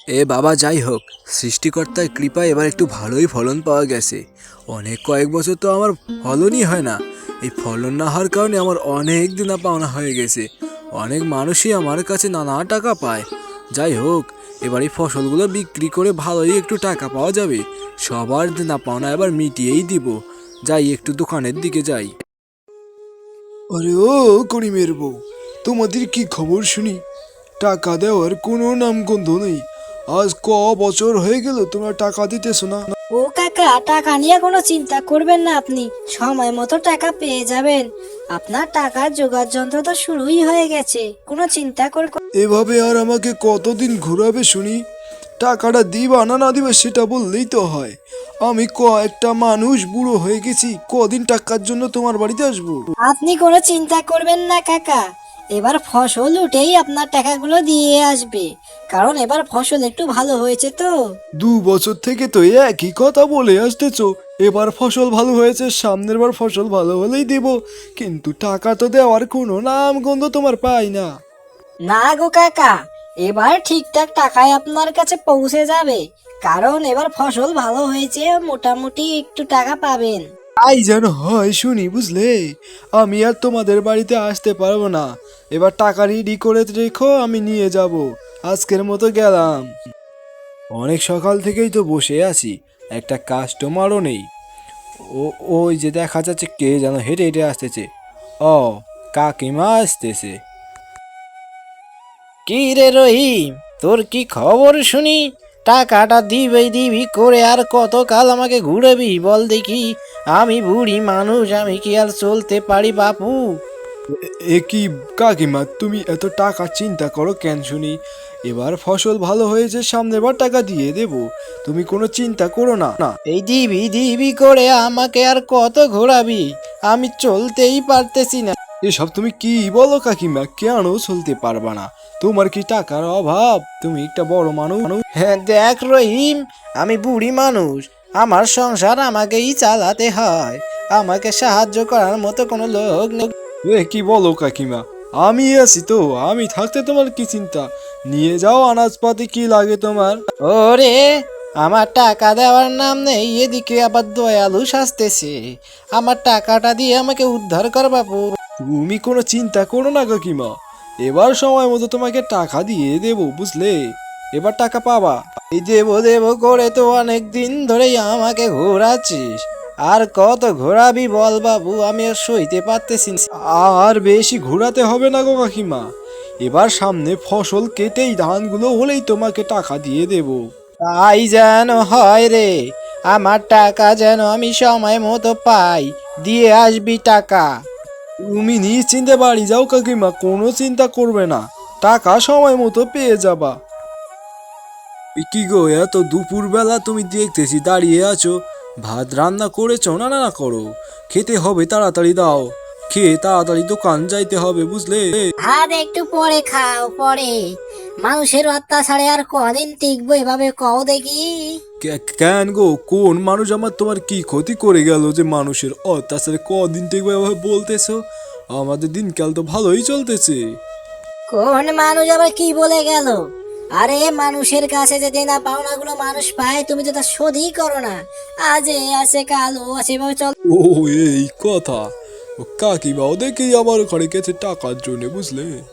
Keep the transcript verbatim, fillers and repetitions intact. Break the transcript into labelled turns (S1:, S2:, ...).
S1: এ বাবা, যাই হোক, সৃষ্টিকর্তার কৃপায় এবার একটু ভালোই ফলন পাওয়া গেছে। অনেক কয়েক বছর তো আমার ফলনই হয় না। এই ফলন না হওয়ার কারণে আমার অনেক দেনা পাওনা হয়ে গেছে। অনেক মানুষই আমার কাছে নানা টাকা পায়। যাই হোক, এবার এই ফসলগুলো বিক্রি করে ভালোই একটু টাকা পাওয়া যাবে। সবার দেনা পাওনা এবার মিটিয়েই দিব। যাই, একটু দোকানের দিকে যাই।
S2: আরে ও করিমের বউ, তোমাদের কি খবর শুনি? টাকা দেওয়ার কোনো নামগন্ধ নেই। আজ ক বছর হয়ে গেল তোমরা টাকা দিতেছো না।
S3: ও কাকা, টাকা নিয়ে কোনো চিন্তা করবেন না, আপনি সময় মতো টাকা পেয়ে যাবেন। আপনার টাকার জোগাড় যন্ত্র তো শুরুই হয়ে গেছে, কোনো চিন্তা করে।
S2: এভাবে আর আমাকে কতদিন ঘোরাবে শুনি? টাকাটা দিবা না না দিবা সেটা বললেই তো হয়। আমি ক একটা মানুষ বুড়ো হয়ে গেছি, কদিন টাকার জন্য তোমার বাড়িতে আসবো?
S3: আপনি কোনো চিন্তা করবেন না কাকা, এবার ফসল উঠেই আপনার টাকাগুলো দিয়ে আসবে। কারণ এবার ফসল একটু ভালো হয়েছে তো।
S2: দু বছর থেকে তো একই কথা বলে আসতেছো। এবার ফসল ভালো হয়েছে, সামনের বার ফসল ভালো হলেই দেব, কিন্তু টাকা তো দেওয়ার কোনো নাম গন্ধ তোমার পাই না।
S3: না গো কাকা, এবার ঠিকঠাক টাকায় আপনার কাছে পৌঁছে যাবে। কারণ এবার ফসল ভালো হয়েছে, মোটামুটি একটু টাকা পাবেন।
S2: তাই যেন হয় শুনি, বুঝলে? আমি আর তোমাদের বাড়িতে আসতে পারবো না। এবার টাকা রেডি করে রেখো, আমি নিয়ে যাব। আজকের মতো গেলাম। অনেক সকাল থেকেই তো বসে আছি, একটা কাস্টমারও নেই। ও ওই যে দেখা যাচ্ছে কে যেন হেঁটে হেঁটে আসতেছে। ও, কাকিমা আসতেছে।
S4: কি রে রহিম, তোর কি খবর শুনি? টাকাটা দিবি দিবি করে আর কতকাল আমাকে ঘুরাবি বল দেখি? আমি বুড়ি মানুষ, আমি কি আর চলতে পারি বাপু?
S2: এ কি কাকিমা, তুমি এত টাকা চিন্তা করো কেন শুনি? এবার ফসল ভালো হয়েছে, সামনের বার টাকা দিয়ে দেব। তুমি কোনো চিন্তা করো না না
S4: এই দিবি দিবি করে আমাকে আর কত ঘোরাবি? আমি চলতেই পারতেছি না।
S2: এসব তুমি কি বলো কাকিমা? কেন চলতে পারবা না? তোমার কি টাকার অভাব? তুমি একটা বড় মানুষ।
S4: হ্যাঁ দেখ রহিম, আমি বুড়ি মানুষ, আমার সংসার আমাকেই চালাতে হয়। আমাকে সাহায্য করার মতো কোনো লোক নেই।
S2: এ কি বলো কাকিমা? আমি আছি তো, আমি থাকতে তোমার কি চিন্তা? নিয়ে যাও আনাজপাতি, কি লাগে তোমার?
S4: ওরে, আমার টাকা দেওয়ার নাম নেই, এদিকে আবার দয়ালু সাজতেছে। আমার টাকাটা দিয়ে আমাকে উদ্ধার কর বাপু।
S2: তুমি কোনো চিন্তা করো না কাকিমা, এবার সময় মতো তোমাকে টাকা দিয়ে দেবো, বুঝলে? এবার টাকা পাবা।
S4: এই দেবো দেবো করে তো অনেক দিন ধরেই আমাকে ঘোরাচ্ছিস, আর কত ঘোরাবি বল বাবু? আমি আর সইতে পারতেছি না।
S2: আর বেশি ঘোরাতে হবে না গো কাকিমা। এবার সামনে ফসল কেটেই ধানগুলো হলেই তোমাকে টাকা দিয়ে দেবো।
S4: তাই যেন হয় রে, আমার টাকা যেন আমি সময় মতো পাই, দিয়ে আসবি টাকা।
S2: তুমি নিশ্চিন্তে বাড়ি যাও কাকিমা, কোনো চিন্তা করবে না, টাকা সময় মতো পেয়ে যাবা। এ কি গো, এত দুপুর বেলা তুমি দেখতেছি দাঁড়িয়ে আছো। ভাত রান্না করেছো না? না না করো, খেতে হবে, তাড়াতাড়ি দাও। খেয়ে তাড়াতাড়ি দোকান যাইতে হবে, বুঝলে?
S3: ভাত একটু পরে খাও, পরে। মানুষের অত্যাচারে আর কদিন টিকবো এভাবে, কও দেখি।
S2: কে- কেন গো, কোন মানুষ আমার তোমার কি ক্ষতি করে গেল যে মানুষের অত্যাচারে কদিন থেকে এভাবে বলতেছো? আমাদের দিনকাল তো ভালোই চলতেছে।
S3: কোন মানুষ আবার কি বলে গেল? আরে মানুষের কাছে যে দেনা পাওনা গুলো মানুষ পায়, তুমি তো তা শোধই করো না। আজ এ আছে, কাল ও আছে, এভাবে চল।
S2: ও, এই কথা। ও কাকিমাও দেখি আমার ওখানে গেছে টাকার জন্য, বুঝলে?